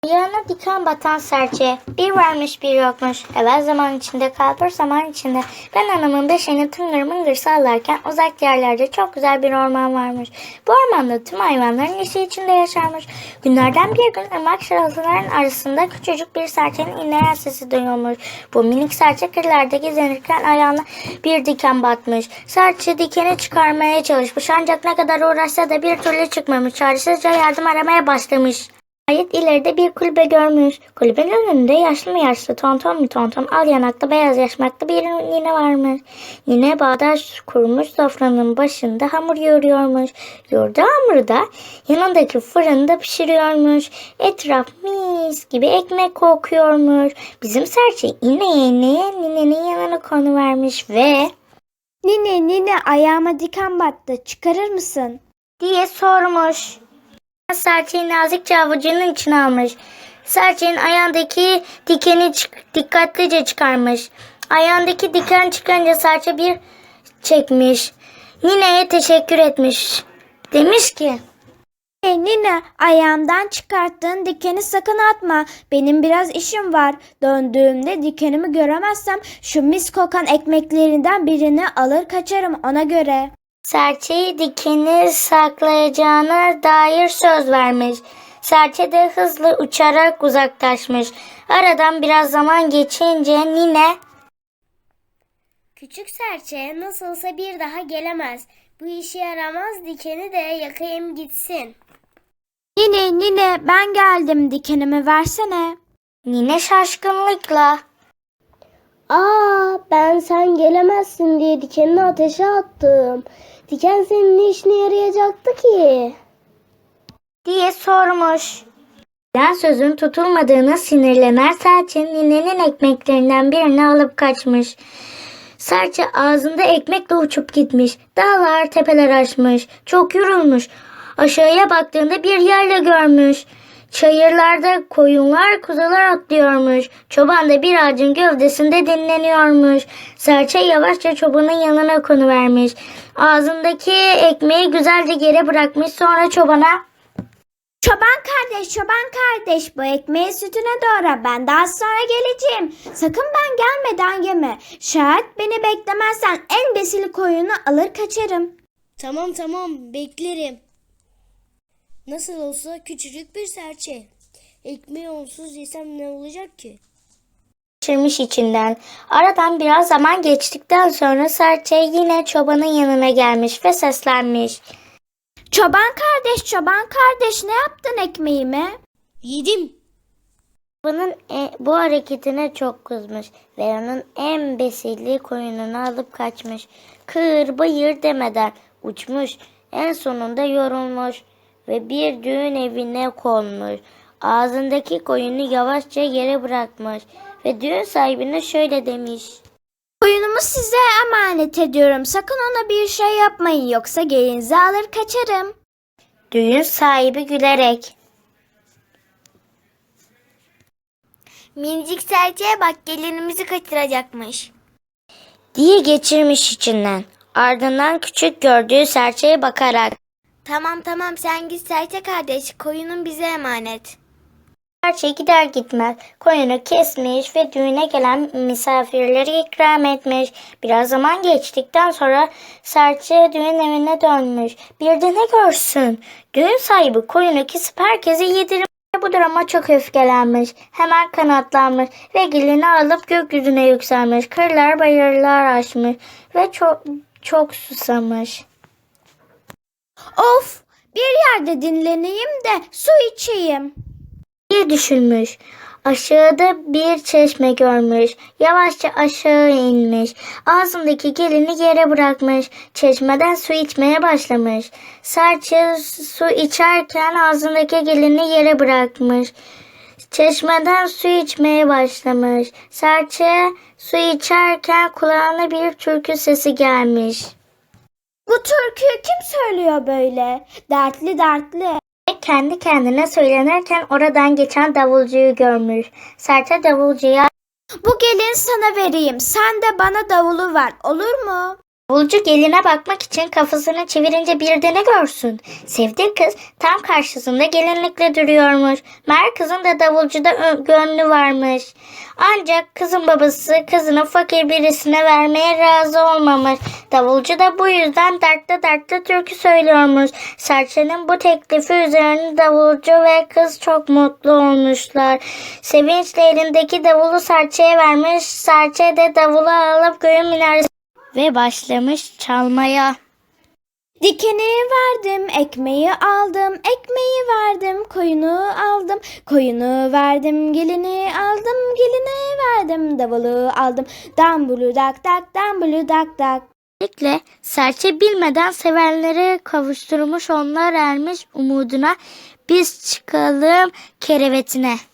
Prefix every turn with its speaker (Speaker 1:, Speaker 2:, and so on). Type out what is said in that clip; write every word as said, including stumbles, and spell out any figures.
Speaker 1: Ayağına diken batan serçe, bir varmış bir yokmuş. Evvel zaman içinde, kalbur zaman içinde. Ben anamın beşiğini tıngır mıngır sallarken uzak yerlerde çok güzel bir orman varmış. Bu ormanda tüm hayvanların neşe içinde yaşarmış. Günlerden bir gün ırmak şırıltıların arasında küçücük bir serçenin inleyen sesi duyulmuş. Bu minik serçe kırlarda gezinirken ayağına bir diken batmış. Serçe dikeni çıkarmaya çalışmış ancak ne kadar uğraşsa da bir türlü çıkmamış. Çaresizce yardım aramaya başlamış. Nihayet ileride bir kulübe görmüş. Kulübenin önünde yaşlı mı yaşlı, tonton mu tonton, al yanaklı, beyaz yaşmaklı bir nine varmış. Nine bağdaş kurmuş sofranın başında hamur yoğuruyormuş. Yoğurduğu hamuru da yanındaki fırında pişiriyormuş. Etraf mis gibi ekmek kokuyormuş. Bizim serçe ineye ineye ninenin yanına konuvermiş ve
Speaker 2: Nine nine ayağıma diken battı, çıkarır mısın?
Speaker 1: diye sormuş. Serçeyi nazikçe avucunun içine almış. Serçenin ayağındaki dikeni çık- dikkatlice çıkarmış. Ayağındaki diken çıkınca serçe bir çekmiş. Nineye teşekkür etmiş. Demiş ki,
Speaker 2: Hey nine, ayağımdan çıkarttığın dikeni sakın atma. Benim biraz işim var. Döndüğümde dikenimi göremezsem şu mis kokan ekmeklerinden birini alır kaçarım ona göre.
Speaker 1: serçeyi dikeni saklayacağına dair söz vermiş. Serçe de hızlı uçarak uzaklaşmış. Aradan biraz zaman geçince nine,
Speaker 3: Küçük serçe nasılsa bir daha gelemez. Bu işe yaramaz, dikeni de yakayım gitsin.
Speaker 2: Nine nine ben geldim, dikenimi versene.
Speaker 1: nine şaşkınlıkla,
Speaker 3: Aa, ben sen gelemezsin diye dikenini ateşe attım. Diken senin ne işine yarayacaktı ki?
Speaker 1: diye sormuş. Ben sözün tutulmadığına sinirlenen serçe ninenin ekmeklerinden birini alıp kaçmış. Serçe ağzında ekmekle uçup gitmiş. Dağlar tepeler aşmış. Çok yorulmuş. Aşağıya baktığında bir yerle görmüş. Çayırlarda koyunlar kuzular otlıyormuş. Çoban da bir ağacın gövdesinde dinleniyormuş. Serçe yavaşça çobanın yanına konuvermiş. Ağzındaki ekmeği güzelce geri bırakmış. Sonra çobana,
Speaker 2: Çoban kardeş, çoban kardeş, bu ekmeği sütüne doğra. Ben daha sonra geleceğim. Sakın ben gelmeden yeme. Şayet beni beklemezsen en besili koyunu alır kaçarım.
Speaker 3: Tamam tamam, beklerim. Nasıl olsa küçücük bir serçe. Ekmeği onsuz yesem ne olacak ki?
Speaker 1: geçirmiş içinden. Aradan biraz zaman geçtikten sonra serçe yine çobanın yanına gelmiş ve seslenmiş.
Speaker 2: Çoban kardeş, çoban kardeş, ne yaptın ekmeğime?
Speaker 3: Yedim.
Speaker 1: Çobanın e, bu hareketine çok kızmış ve onun en besili koyununu alıp kaçmış. Kır bayır demeden uçmuş. En sonunda yorulmuş ve bir düğün evine konmuş. Ağzındaki koyunu yavaşça yere bırakmış ve düğün sahibine şöyle demiş.
Speaker 2: Koyunumu size emanet ediyorum. Sakın ona bir şey yapmayın yoksa gelinizi alır kaçarım.
Speaker 1: Düğün sahibi gülerek,
Speaker 3: Minicik serçeye bak, gelinimizi kaçıracakmış.
Speaker 1: diye geçirmiş içinden. Ardından küçük gördüğü serçeye bakarak,
Speaker 3: Tamam tamam, sen git serçe kardeş, koyunun bize emanet.
Speaker 1: serçe gider gitmez koyunu kesmiş ve düğüne gelen misafirleri ikram etmiş. Biraz zaman geçtikten sonra serçe düğün evine dönmüş. Bir de ne görsün? Düğün sahibi koyunu kesip herkese yedirmiş. Bu duruma çok öfkelenmiş. Hemen kanatlanmış ve gelini alıp gökyüzüne yükselmiş. Kırlar bayırlar aşmış ve çok çok susamış.
Speaker 2: Of, bir yerde dinleneyim de su içeyim.
Speaker 1: diye düşünmüş. Aşağıda bir çeşme görmüş. Yavaşça aşağı inmiş. Ağzındaki gelini yere bırakmış. Çeşmeden su içmeye başlamış. Serçe su içerken ağzındaki gelini yere bırakmış. Çeşmeden su içmeye başlamış. Serçe su içerken kulağına bir türkü sesi gelmiş.
Speaker 2: Bu türküyü kim söylüyor böyle? Dertli dertli.
Speaker 1: Ve kendi kendine söylenirken oradan geçen davulcuyu görmüş. Serçe davulcuya,
Speaker 2: Bu gelin sana vereyim. Sen de bana davulu ver. Olur mu?
Speaker 1: Davulcu geline bakmak için kafasını çevirince bir de ne görsün? Sevdiği kız tam karşısında gelinlikle duruyormuş. Meğer kızın da davulcuda ö- gönlü varmış. Ancak kızın babası kızını fakir birisine vermeye razı olmamış. Davulcu da bu yüzden dertte dertte türkü söylüyormuş. Serçenin bu teklifi üzerine davulcu ve kız çok mutlu olmuşlar. Sevinçle elindeki davulu serçeye vermiş. Serçe de davulu alıp göğün minaresi ve başlamış çalmaya.
Speaker 2: Dikeni verdim, ekmeği aldım, ekmeği verdim, koyunu aldım, koyunu verdim, gelini aldım, gelini verdim, davulu aldım, dambulu dak dak, dambulu dak dak.
Speaker 1: Böylelikle serçe bilmeden sevenleri kavuşturmuş, onlar ermiş umuduna, biz çıkalım kerevetine.